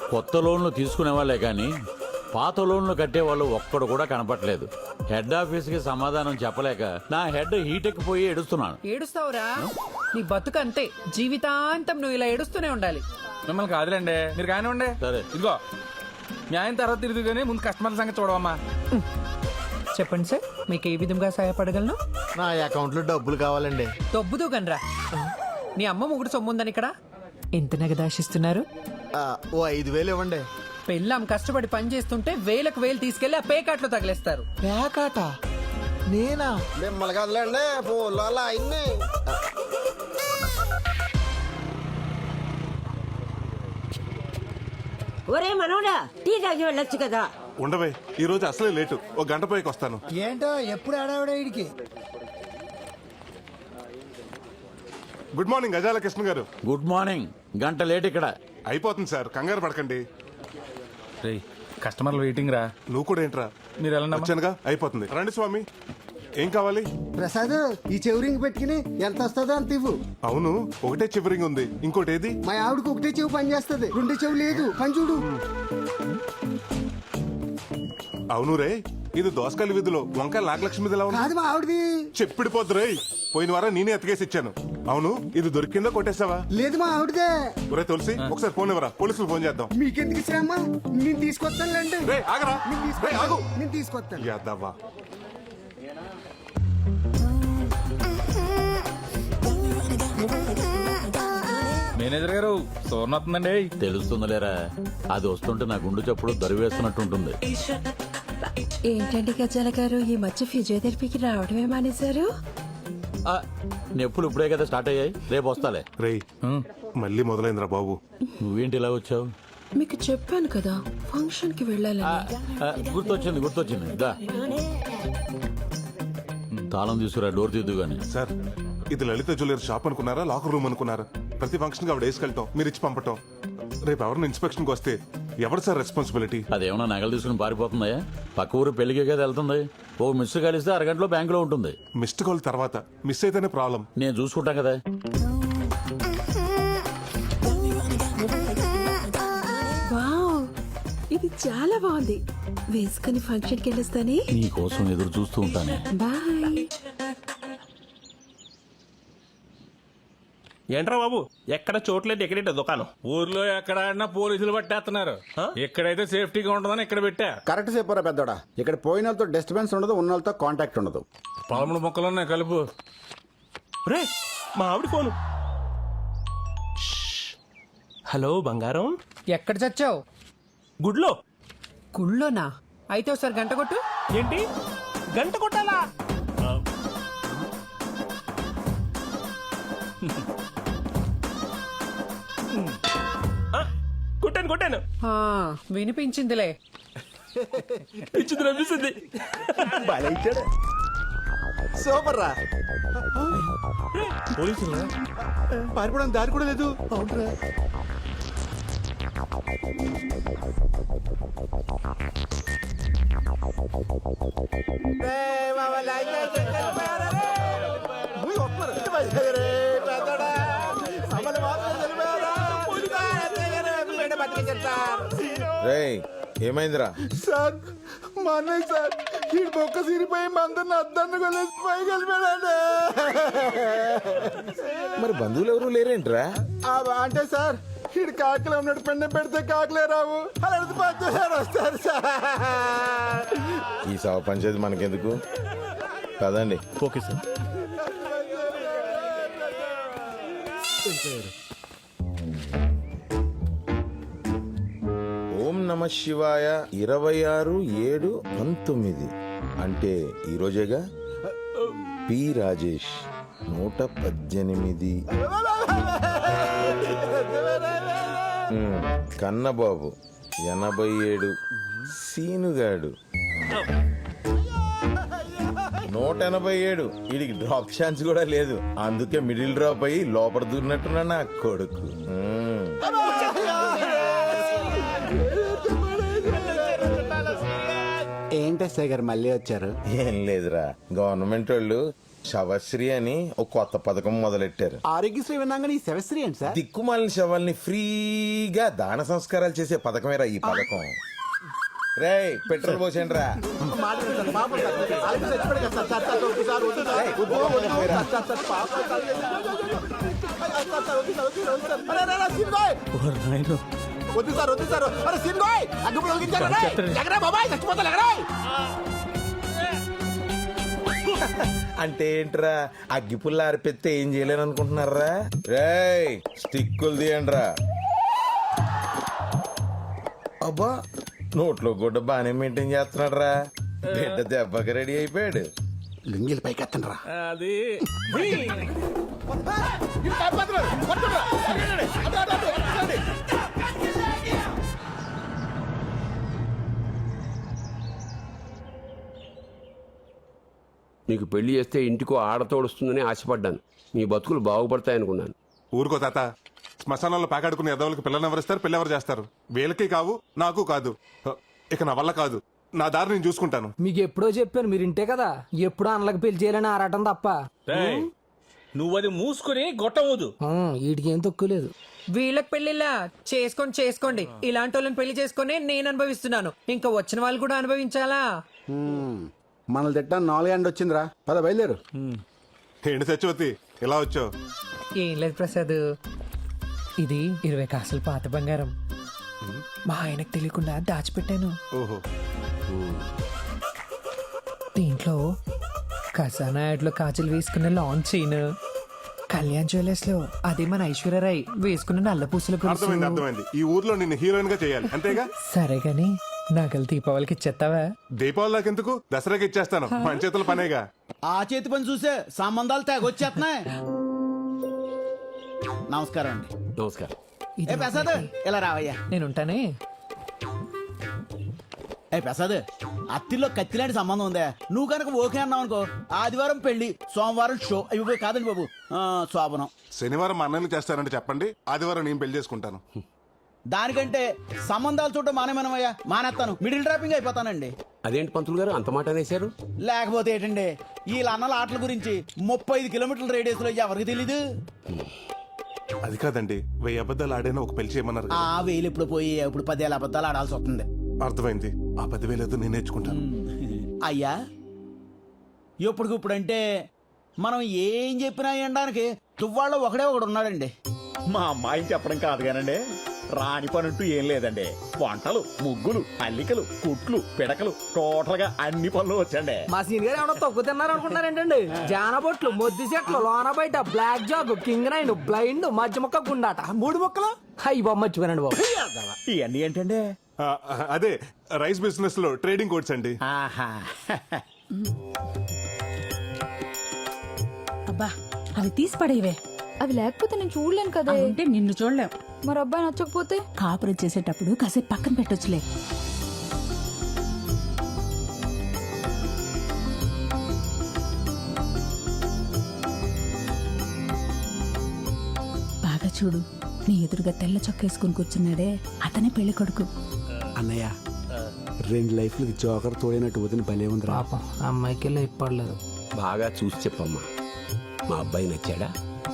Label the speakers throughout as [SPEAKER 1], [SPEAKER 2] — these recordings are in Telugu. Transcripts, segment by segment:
[SPEAKER 1] కొత్త లోన్లు తీసుకునే వాళ్ళే కానీ పాత లోన్లు కట్టేవాళ్ళు ఒక్కడు కూడా కనపట్లేదు. హెడ్ ఆఫీస్కి సమాధానం చెప్పలేక నా హెడ్ హీట్ ఎక్కిపోయి ఏడుస్తున్నాను.
[SPEAKER 2] ఏడుస్తావురా? నీ బతుకు అంతే, జీవితాంతం నువ్వు ఇలా ఏడుస్తూనే ఉండాలి.
[SPEAKER 3] మిమ్మల్ని కాదులేండి, మీరు కానివ్వండి.
[SPEAKER 1] సరే.
[SPEAKER 3] ఇదిగో మీ ఆయన తర్వాత తిరిగి కానీ ముందు కస్టమర్ సంగతి చూడవమ్మా.
[SPEAKER 2] చెప్పండి సార్, మీకు ఏ విధంగా సహాయపడగలను?
[SPEAKER 4] నా అకౌంట్ లో డబ్బులు కావాలండి.
[SPEAKER 2] దొబ్బుదు గనరా. నీ అమ్మ ముగ్గురు సొమ్ముందని ఇక్కడ ఎంత నగదాశిస్తున్నారు?
[SPEAKER 4] ఓ 5,000 ఇవ్వండి.
[SPEAKER 2] పెళ్ళాం కష్టపడి పని చేస్తుంటే వేలకు వేలు తీసుకెళ్లి ఆ పేకాట్లో తగిలేస్తారు.
[SPEAKER 4] పేకాట నేనా?
[SPEAKER 5] మిమ్మల్ని కదలండి ఫోన్లో అలా అయింది.
[SPEAKER 6] ఒరే మనోడా, టీ తాగి వెళ్ళొచ్చు కదా.
[SPEAKER 7] ఉండవే, ఈ రోజు అసలే లేటు. ఒక గంట పైకి వస్తాను.
[SPEAKER 5] ఏంటో ఎప్పుడు ఆడావిడ వీడికి.
[SPEAKER 7] గుడ్ మార్నింగ్ గజాల కృష్ణ గారు.
[SPEAKER 1] Good morning. గంట లేట్ ఇక్కడ.
[SPEAKER 7] అయిపోతుంది సార్, కంగారు పడకండి.
[SPEAKER 3] రేయ్, కస్టమర్లు వెయిటింగ్ రా.
[SPEAKER 7] నువ్వు కూడా ఏంట్రా?
[SPEAKER 3] మీరు వెళ్ళండి.
[SPEAKER 7] వచ్చానుగా, అయిపోతుంది. రండి స్వామి, ఏం కావాలి?
[SPEAKER 5] ప్రసాద్, ఈ చెవురింగ్ పెట్టుకుని ఎంత వస్తుందో అంత ఇవ్వు.
[SPEAKER 7] అవును, ఒకటే చివరింగ్ ఉంది, ఇంకోటి ఏది?
[SPEAKER 5] మా ఆవిడకి ఒకటే చెవు పని చేస్తుంది, రెండో చెవు లేదు. పని చూడు.
[SPEAKER 7] అవును రే, ఇది దోసకాయల వీధిలో వంకాయల నాగలక్ష్మి ఇలా ఉంది.
[SPEAKER 5] కాదు మా ఆవిడది.
[SPEAKER 7] చెప్పిడిపోద్దు రే, పోయిన వారం నేనే ఎత్తుకేసి ఇచ్చాను. అవును, ఇది దొరికిందో కొట్టేసావా?
[SPEAKER 5] లేదు మా ఆవిడదే.
[SPEAKER 7] ఒరే తులసి, ఒకసారి ఫోన్ ఇవ్వరా, పోలీసులు ఫోన్ చేద్దాం.
[SPEAKER 5] మీకెందుకు శ్రమ, నేను తీసుకొస్తానులేండి.
[SPEAKER 7] రే ఆగరా, రే ఆగు.
[SPEAKER 5] నేను తీసుకొస్తాను.
[SPEAKER 7] యాదవ్వా.
[SPEAKER 3] మేనేజర్ గారు, సోర్ణ వస్తుందండి.
[SPEAKER 1] తెలుస్తుందిలేరా, అది వస్తుంటే నా గుండు చప్పుడు దరివేస్తున్నట్టుంటుంది.
[SPEAKER 8] ఏంటండి గజాల గారు, ఈ మధ్య ఫిజియోథెరపీకి రావడమే మానేశారు?
[SPEAKER 1] ఆ, నొప్పులు ఇప్పుడే కదా స్టార్ట్ అయ్యాయి, రేపు వస్తాలే.
[SPEAKER 7] రేయ్, మళ్ళీ మొదలైందిరా బాబు.
[SPEAKER 1] నువ్వేంటి ఇలా వచ్చావు?
[SPEAKER 8] మీకు చెప్పాను కదా ఫంక్షన్ కి వెళ్ళాలని.
[SPEAKER 1] గుర్తొచ్చింది దా. తాళం తీసుకురా, డోర్ తీద్దు గాని.
[SPEAKER 7] సార్, ఇది లలిత జ్యువెలరీ షాప్ అనుకున్నారా, లాకర్ రూమ్ అనుకున్నారా? ప్రతి ఫంక్షన్ కి ఆవిడ వేసుకెళ్తాం, మీరు ఇచ్చి పంపటం. రేపు ఎవరిని ఇన్స్పెక్షన్ కి వస్తే ఎవరు సార్ రెస్పాన్సిబిలిటీ?
[SPEAKER 1] అదేమన్నా నగలు తీసుకుని పారిపోతుందా? పక్క ఊరు పెళ్లికే కదా వెళ్తుంది. ఓ మిస్ కలిస్తే అరగంటలో బ్యాంకులో ఉంటుంది.
[SPEAKER 7] మిస్డ్ కాల్ తర్వాత మిస్ అయితేనే ప్రాబ్లం.
[SPEAKER 1] నేను చూసుకుంటా కదా.
[SPEAKER 8] వావ్, ఇది చాలా బాగుంది. వేసుకుని ఫంక్షన్ కి వెళ్ళొస్తానే.
[SPEAKER 1] నీ కోసం ఎదురు చూస్తూ ఉంటానే.
[SPEAKER 8] బాయ్.
[SPEAKER 9] ఏంట్రా బాబు, ఎక్కడ చోట్లేదు, ఎక్కడేట దుకాణం?
[SPEAKER 3] ఊర్లో ఎక్కడ ఆడినా పోలీసులు పట్టేస్తున్నారు. ఎక్కడైతే సేఫ్టీగా ఉంటుందని ఇక్కడ పెట్టా.
[SPEAKER 5] కరెక్ట్ చెప్పారా పెద్దోడా. ఇక్కడ పోయిన వాళ్ళతో డిస్టర్బెన్స్ ఉండదు, ఉన్న వాళ్ళతో కాంటాక్ట్ ఉండదు.
[SPEAKER 3] 13 మొక్కలు ఉన్నాయి, కలుపు.
[SPEAKER 9] రే, మా ఆవిడ ఫోను. హలో బంగారం,
[SPEAKER 2] ఎక్కడ చచ్చావు?
[SPEAKER 9] గుడ్లో.
[SPEAKER 2] గుళ్ళోనా? అయితే ఒకసారి గంట కొట్టు.
[SPEAKER 9] ఏంటి, గంట కొట్టాలా? కొట్టాను.
[SPEAKER 2] ఆ, వినిపించిందిలే.
[SPEAKER 9] ఇచ్చింది నవ్విస్తుంది.
[SPEAKER 4] సూపర్ రా.
[SPEAKER 9] పోలీసులు
[SPEAKER 4] పారిపోవడానికి దారి కూడా లేదు. అవునరా.
[SPEAKER 10] రేయ్, ఏమైందిరా?
[SPEAKER 4] సార్, మా అన్నయ్య సార్, ఈ బొక్క సిరిపోయి మందరిని అద్దాన్ని కొలేసి పైకి వెళ్ళిపోయాడు.
[SPEAKER 10] మరి బంధువులు ఎవరు లేరేంట్రా?
[SPEAKER 4] అంటే సార్, ఈడు కాకలే ఉన్నాడు, పెండ పెడితే కాకలే రావు. అలాంటి పద్దారు వస్తారు సార్.
[SPEAKER 10] ఈ సవ పంచేది మనకెందుకు, కదండి.
[SPEAKER 9] Okay sir.
[SPEAKER 10] ఓం నమ శివాయ 26/7/19 అంటే ఈరోజేగా. పి రాజేష్ 118. కన్నబాబు 87. సీనుగాడు 187. వీడికి డ్రాప్ ఛాన్స్ కూడా లేదు, అందుకే మిడిల్ డ్రాప్ అయ్యి లోపల దూరినట్టున్నా నా కొడుకు.
[SPEAKER 5] ఏంటి సార్ గారు మళ్ళీ వచ్చారు?
[SPEAKER 10] ఏం లేదురా, గవర్నమెంట్ వాళ్ళు శవశ్రీ అని ఒక కొత్త పథకం మొదలెట్టారు.
[SPEAKER 5] ఆరోగ్యశ్రీ విన్నాగా ఈ శవశ్రీ ఏంటి సార్?
[SPEAKER 10] దిక్కుమాలిన శవాల్ని ఫ్రీగా దాన సంస్కారాలు చేసే పథకమేరా ఈ పథకం. రేయ్ పెట్రోల్ పోసేయండి రా.
[SPEAKER 4] వద్దు సార్ వద్దు సార్. అరే సీన్గాయ్ అగ్గిపుల్ల వెలిగించారు. ఎగరా బాబాయ్ చచ్చిపోతా ఎగరా.
[SPEAKER 10] అంటే ఏంట్రా అగ్గిపుల్ల ఆరిపెత్తే ఏం చేయలేను అనుకుంటున్నారా? రేయ్ స్టిక్కులు తీయండి రా. అబ్బా నోట్లో గుడ్డ బాగానే మెయింటైన్ చేస్తున్నాడు రా. బిడ్డ దెబ్బకి రెడీ అయిపోయాడు.
[SPEAKER 5] లింగిల్ పైకి ఎత్తండి రా.
[SPEAKER 3] అది
[SPEAKER 11] నీకు పెళ్లి చేస్తే ఇంటికో ఆడతోడుస్తుందని ఆశపడ్డాను. మీ బతుకులు బాగుపడతాయనుకున్నాను.
[SPEAKER 7] ఊరుకో తాత. శ్మశానంలో పాకాడుకునే ఎదవలకి పిల్లల్ని ఎవరిస్తారు, పిల్ల ఎవరు చేస్తారు? వీళ్ళకి కావు, నాకు కాదు. ఇక నా వల్ల కాదు. నా దారి నేను చూసుకుంటాను.
[SPEAKER 2] మీకు ఎప్పుడో చెప్పాను, మీరు ఇంటే కదా. ఎప్పుడో అన్నలకు పెళ్లి చేయాలని ఆరాటం తప్ప.
[SPEAKER 3] నువ్వు అది మూసుకుని గొట్టవద్దు.
[SPEAKER 2] వీటికి ఏం తక్కువ లేదు. వీళ్ళకి పెళ్లిలా చేసుకోండి. ఇలాంటి వాళ్ళని పెళ్లి చేసుకొని నేను అనుభవిస్తున్నాను. ఇంకా వచ్చిన వాళ్ళు కూడా అనుభవించాలా?
[SPEAKER 5] మనల్ని తిట్టా 4 ఎండ వచ్చిందిరా. పద బయలుదేరు.
[SPEAKER 7] ఏంటి సత్యవతి ఇలా వచ్చావు?
[SPEAKER 2] ఏం లేదు ప్రసాద్, ఇది 20 కాసులు పాత బంగారం మా ఆయనకు తెలియకుండా దాచిపెట్టాను.
[SPEAKER 7] ఓహో.
[SPEAKER 2] దీంట్లో ఖజానా యాడ్లో కాజులు వేసుకున్న లాంగ్ చైన్, కళ్యాణ్ జ్యువెలర్స్ లో అదే మన ఐశ్వర్యరాయ్ వేసుకున్న నల్ల పూసల
[SPEAKER 7] అర్థమైంది అర్థమైంది. ఈ ఊర్లో నిన్ను హీరోయిన్ గా చేయాలి అంతేగా?
[SPEAKER 2] సరే గాని నగలు దీపావళికి ఇచ్చేస్తావా?
[SPEAKER 7] దీపావళి దాకెందుకు, దసరాకి ఇచ్చేస్తాను. మన చేతుల పనేగా.
[SPEAKER 4] ఆ చేతి పని చూసే సంబంధాలు తెగొచ్చేస్తున్నాయి. నమస్కారం అండి.
[SPEAKER 11] నమస్కారం.
[SPEAKER 2] ఇది
[SPEAKER 4] ఏ ప్రసాద్ ఇలా రావయ్యా.
[SPEAKER 2] నేనుంటానే.
[SPEAKER 4] ఏ ప్రసాద్, అత్తిలో కత్తిలాంటి సంబంధం ఉందా? నువ్వు కనుక ఓకే అన్నావు అనుకో, ఆదివారం పెళ్లి, సోమవారం షో. అవి కాదండి బాబు, శోభనం.
[SPEAKER 7] శనివారం మా అన్నయ్యని చేస్తానంటే చెప్పండి, ఆదివారం నేను పెళ్లి చేసుకుంటాను.
[SPEAKER 4] దానికంటే సంబంధాలు చూడటం మానేమనమయ్యా. మానేస్తాను, మిడిల్ డ్రాపింగ్ అయిపోతానండి.
[SPEAKER 11] అదేంటి పంతులు గారు అంత మాట అనేశారు?
[SPEAKER 4] లేకపోతే ఏంటండి, వీళ్ళ అన్నల ఆటల గురించి 35 కిలోమీటర్ల రేడియస్ లో ఎవరికి తెలీదు.
[SPEAKER 7] అది కాదండి, 1000 అబద్ధాలు ఆడైనా ఒక పెళ్లి చేయమన్నారు కదా.
[SPEAKER 4] ఆ వేలు ఇప్పుడు పోయి ఇప్పుడు 10,000 అబద్ధాలు ఆడాల్సి వస్తుంది.
[SPEAKER 7] అర్థమైంది. ఆ 10,000 ఏదో నేను నేర్చుకుంటాను.
[SPEAKER 4] అయ్యా ఇప్పుడంటే మనం ఏం చెప్పినా ఎండడానికి తువ్వాళ్ళు ఒకడే ఒకడు ఉన్నాడండి.
[SPEAKER 12] మా అమ్మాయిని చెప్పడం కాదు కానండి, రాని పనుంటూ ఏం లేదండి. వంటలు, ముగ్గులు, అల్లికలు, కుట్లు, పిడకలు, టోటల్ గా అన్ని పనులు వచ్చండి.
[SPEAKER 2] మా సీన్ గారు ఏమన్నా తక్కువ తిన్నారు అనుకుంటారేంటండి? జానబొట్లు, మొద్దు చెట్లు, లోన బయట, black jack, king nine, blind, మధ్య మొక్క, గుండాట, 3 మొక్కలు. అయ్యి బాబు మర్చిపోయానండి బాబు.
[SPEAKER 12] ఇవన్నీ ఏంటండి?
[SPEAKER 7] అదే రైస్ బిజినెస్ లో ట్రేడింగ్ కోడ్స్ అండి.
[SPEAKER 12] ఆహా.
[SPEAKER 8] అబ్బా అవి తీసి పడేవే.
[SPEAKER 6] అవి లేకపోతే నేను చూడలేను కదా.
[SPEAKER 8] అంటే నిన్ను చూడలేం.
[SPEAKER 6] మరి అబ్బాయి నచ్చకపోతే
[SPEAKER 8] కాపురం చేసేటప్పుడు కాసేపు పక్కన పెట్టొచ్చులే. బాగా చూడు, నీ ఎదురుగా తెల్ల చొక్కేసుకుని కూర్చున్నాడే అతనే పెళ్లి కొడుకు.
[SPEAKER 5] అన్నయ్య 2 లైఫ్లకి జోకర్ తోడైనట్టు వదిన భలే ఉంది.
[SPEAKER 2] పాపం అమ్మాయికి ఇప్పడలేదు.
[SPEAKER 11] బాగా చూసి చెప్పమ్మా. మా అబ్బాయి నచ్చాడా?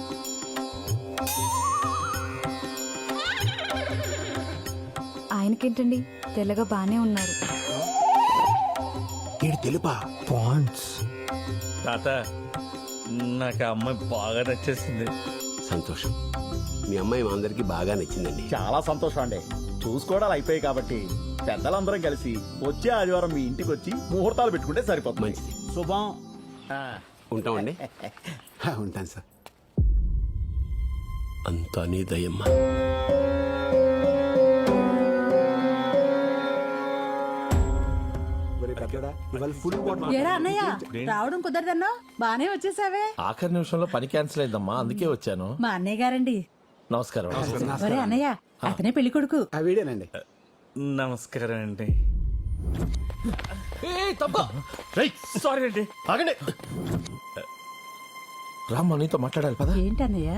[SPEAKER 6] ఆయనకేంటండి, తెల్లగా బానే ఉన్నారు.
[SPEAKER 5] తెలుపా
[SPEAKER 2] పాండ్స్.
[SPEAKER 3] తాత నాకు ఆ అమ్మాయి బాగా నచ్చేసింది.
[SPEAKER 11] సంతోషం. మీ అమ్మాయి మా అందరికి బాగా నచ్చిందండి.
[SPEAKER 12] చాలా సంతోషం అండి. చూసుకోవడాలు అయిపోయాయి కాబట్టి పెద్దలందరం కలిసి వచ్చే ఆదివారం మీ ఇంటికి వచ్చి ముహూర్తాలు పెట్టుకుంటే సరిపోతుంది.
[SPEAKER 11] మంచిది.
[SPEAKER 4] శుభం.
[SPEAKER 11] ఉంటామండి.
[SPEAKER 5] ఉంటాను సార్.
[SPEAKER 11] అంతా నీ దయమ్మా.
[SPEAKER 8] ఏరా అన్నయ్య, రావడం కుదరదన్నా బానే వచ్చేసావే.
[SPEAKER 10] ఆఖరి నిమిషంలో పని క్యాన్సిల్ అయిందమ్మా, అందుకే వచ్చాను.
[SPEAKER 8] మా అన్నయ్య గారండి.
[SPEAKER 10] నమస్కారం.
[SPEAKER 8] ఒరే అన్నయ్య, అతనే పెళ్లి కొడుకు.
[SPEAKER 5] ఆ వీడేనండి.
[SPEAKER 3] నమస్కారం అండి.
[SPEAKER 9] సారీ అండి.
[SPEAKER 10] ఆగండి. రామ్మా నీతో మాట్లాడాలి పద.
[SPEAKER 8] ఏంటన్నయ్య?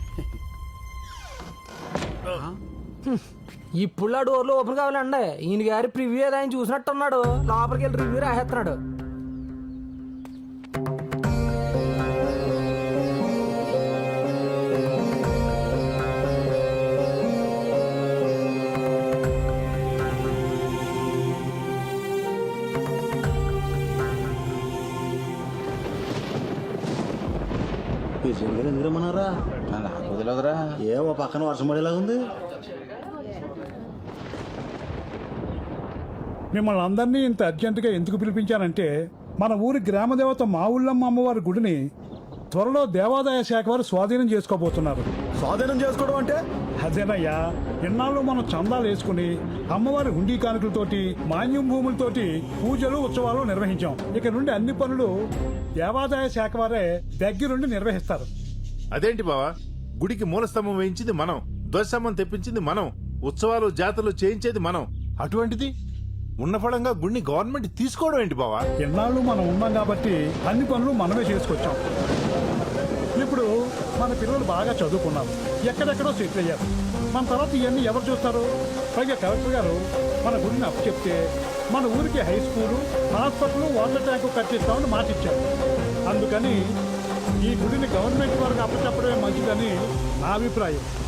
[SPEAKER 2] ఇప్పుడు ఆ డోర్లు ఓపెన్ కావాలండి. ఈయన గారి ప్రివ్యూ ఏదో ఆయన చూసినట్టున్నాడు. లోపలికి వెళ్ళి రివ్యూ రాసేస్తున్నాడు.
[SPEAKER 12] ఎందుకు రమ్మన్నారా?
[SPEAKER 10] నాకు వదిలేదురా.
[SPEAKER 12] ఏమో పక్కన వర్షం పడేలాగా ఉంది.
[SPEAKER 3] మిమ్మల్ని అందరినీ ఇంత అర్జెంటుగా ఎందుకు పిలిపించానంటే మన ఊరి గ్రామదేవత మా ఊళ్ళమ్మ అమ్మవారి గుడిని త్వరలో దేవాదాయ శాఖ వారు స్వాధీనం చేసుకోబోతున్నారు.
[SPEAKER 12] స్వాధీనం చేసుకోవడం అంటే?
[SPEAKER 3] అదేనయ్యా, ఎన్నాళ్ళు మనం చందాలు వేసుకుని అమ్మవారి హుండీ కానుకలతోటి మాన్యం భూములతోటి పూజలు ఉత్సవాలు నిర్వహించాం. ఇక నుండి అన్ని పనులు దేవాదాయ శాఖ వారే దగ్గరుండి నిర్వహిస్తారు.
[SPEAKER 9] అదేంటి బావా, గుడికి మూలస్తంభం వేయించింది మనం, ధ్వజస్తంభం తెప్పించింది మనం, ఉత్సవాలు జాతరలు చేయించేది మనం. అటువంటిది ఉన్న ఫలంగా గుడిని గవర్నమెంట్ తీసుకోవడం ఏంటి బావా?
[SPEAKER 3] ఎన్నాళ్ళు మనం ఉన్నాం కాబట్టి అన్ని పనులు మనమే చేసుకొచ్చాం. ఇప్పుడు మన పిల్లలు బాగా చదువుకున్నారు, ఎక్కడెక్కడో సెటిల్ అయ్యారు. మన తర్వాత ఇవన్నీ ఎవరు చూస్తారు? పైగా కలెక్టర్ గారు మన గుడిని అప్పు చెప్తే మన ఊరికి high school, hospital, water tank కట్టిస్తామని మాట ఇచ్చారు. అందుకని ఈ గుడిని గవర్నమెంట్ వారికి అప్పచెప్పడమే మంచిదని నా అభిప్రాయం.